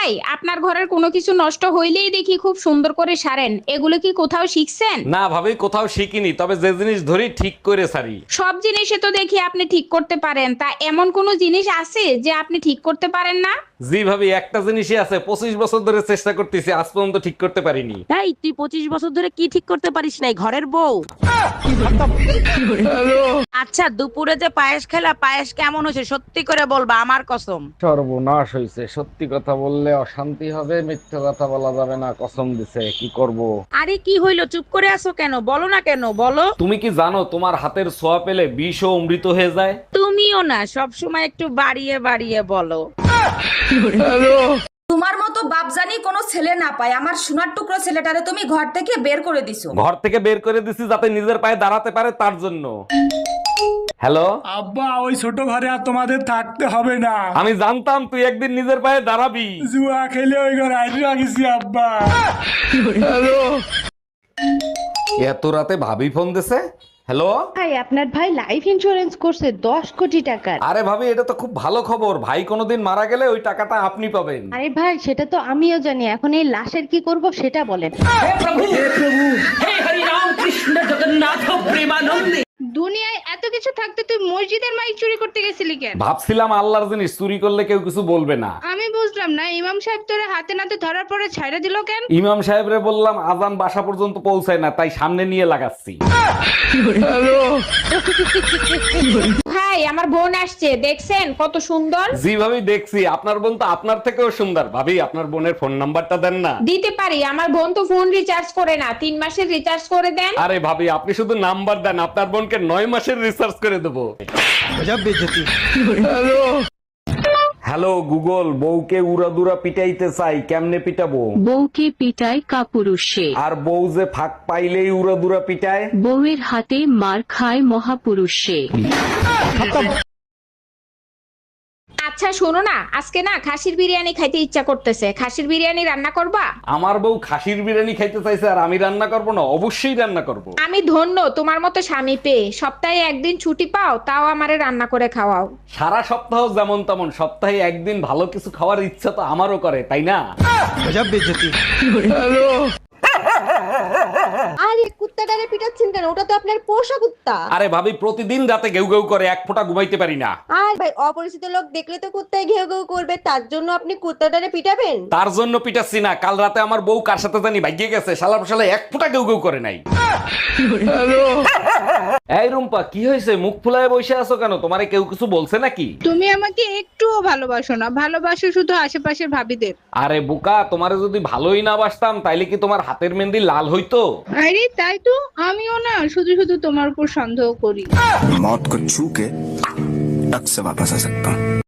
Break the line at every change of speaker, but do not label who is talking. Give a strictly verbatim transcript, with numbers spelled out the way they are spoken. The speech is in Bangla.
ভাই, আপনার ঘরের কোনো কিছু নষ্ট হইলেই দেখি খুব সুন্দর করে সারেন, এগুলো কি কোথাও শিখছেন?
না ভাবি, কোথাও শিখিনি, তবে যে জিনিস ধরি ঠিক করে সারি।
সব জিনিসে তো দেখি আপনি ঠিক করতে পারেন, তা এমন কোন জিনিস আছে যে আপনি ঠিক করতে পারেন না?
জি ভাবি, একটা জিনিসই আছে, পঁচিশ বছর ধরে চেষ্টা করতেছি, আজ পর্যন্ত ঠিক করতে পারিনি।
এই তুই পঁচিশ বছর ধরে কি ঠিক করতে পারিস নাই, ঘরের বউ? আচ্ছা, দুপুরে যে পায়েস খেলা, পায়েস কেমন হয়েছে সত্যি করে বলবা, আমার কসম।
সর্বনাশ হয়েছে, সত্যি কথা বললে অশান্তি হবে, মিথ্যে কথা বলা যাবে না, কসম দিছে, কি করব।
আরে কি হইলো, চুপ করে আছো কেন, বলো না কেন, বলো।
তুমি কি জানো তোমার হাতের ছোঁয়া পেলে বিষ ও অমৃত হয়ে যায়?
তুমিও না সব সময় একটু বাড়িয়ে বাড়িয়ে বলো।
তোমার মতো বাপজানি কোনো ছেলে না পায়, আমার সোনার টুকরো ছেলেটারে তুমি ঘর থেকে বের করে দিছো।
ঘর থেকে বের করে দিছি যাতে নিজের পায়ে দাঁড়াতে পারে, তার জন্য। হ্যালো
আব্বা, ওই ছোট ঘরে আর তোমাদের থাকতে হবে না।
আমি জানতাম তুই একদিন নিজের পায়ে দাঁড়াবি।
জুয়া খেলে ওই ঘর আইডি রাখিছি আব্বা।
এত রাতে ভাবি ফোন দিছে। হ্যালো,
ভাই, আপনার ভাই লাইফ ইন্সুরেন্স করছে দশ কোটি টাকার।
আরে ভাবি, এটা তো খুব ভালো খবর। ভাই কোনোদিন মারা গেলে ওই টাকাটা আপনি পাবেন।
আরে ভাই, সেটা তো আমিও জানি, এখন এই লাশের কি করব সেটা বলেন। দুনিয়ায় এত কিছু থাকতে তুই মসজিদের মাইক চুরি করতে গেছিলি কেন?
ভাবছিলাম আল্লাহর জিনিস চুরি করলে কেউ কিছু বলবে না।
আমি বুঝলাম না, ইমাম সাহেব তোরে হাতে নাতে ধরার পরে ছাইড়া দিল কেন?
ইমাম সাহেবরে বললাম আজান বাসা পর্যন্ত পৌঁছায় না, তাই সামনে নিয়ে লাগাচ্ছি।
ভাই, আমার বোন আসছে, দেখছেন কত সুন্দর?
জি ভাবি, দেখছি। আপনার বোন তো আপনার থেকেও সুন্দর। ভাবি, আপনার বোনের ফোন নাম্বারটা দেন না।
দিতে পারি, আমার বোন তো ফোন রিচার্জ করে না, তিন মাসের রিচার্জ করে দেন।
আরে ভাবি, আপনি শুধু নাম্বার দেন, আপনার বোনকে নয় মাসের রিসার্চ করে দেবো। হ্যালো গুগল, বউকে উড়াদুরা পিটাইতে চাই, কেমনে পিটাবো?
বউকে পিটায় কাপুরুষে,
আর বউ যে ফাঁক পাইলেই উড়াদুরা পিটায়।
বউয়ের হাতে মার খায় মহাপুরুষে।
আচ্ছা শোনো না, আজকে না খাসির বিরিয়ানি খাইতে ইচ্ছা করতেছে, খাসির বিরিয়ানি রান্না করবা?
আমার বউ খাসির বিরিয়ানি খাইতে চাইছে আর আমি রান্না করব না? অবশ্যই রান্না করব।
আমি ধন্য তোমার মতো স্বামী পেয়ে, সপ্তাহে একদিন ছুটি পাও তাও আমারে রান্না করে খাওয়াও।
সারা সপ্তাহ যেমন তেমন, সপ্তাহে একদিন ভালো কিছু খাওয়ার ইচ্ছা তো আমারও করে, তাই না?
আরে কুত্তাটারে পিটাচ্ছেন কেন? ওটা তো আপনার পোষা কুত্তা।
আরে ভাবি, প্রতিদিন রাতে ঘেউ ঘেউ করে, এক ফোঁটা ঘুমাইতে পারি না।
আর ভাই, অপরিচিত লোক দেখলে তো কুত্তায় ঘেউ ঘেউ করবে, তার জন্য আপনি কুত্তাটারে পিটাবেন?
তার জন্য পিটাচ্ছি না, কাল রাতে আমার বউ কার সাথে জানি ভাগিয়ে গেছে, শালা শালা এক ফোঁটা ঘেউ ঘেউ করে নাই। এই রুম্পা, কি হয়েছে? মুখ ফুলায় বসে আছো কেন? তোমারে কেউ কিছু বলছে নাকি?
তুমি আমাকে একটুও ভালোবাসো না, ভালোবাসো শুধু আশেপাশের ভাবিদের।
আরে বোকা, তোমারে যদি ভালোই না বাসতাম তাইলে কি তোমার হাতের মেহেন্দি লাল হইতো?
আরে তাই তো, আমিও না শুধু শুধু তোমার উপর সন্দেহ করি।
मौत को छू के टक से वापस आ सकता हूँ।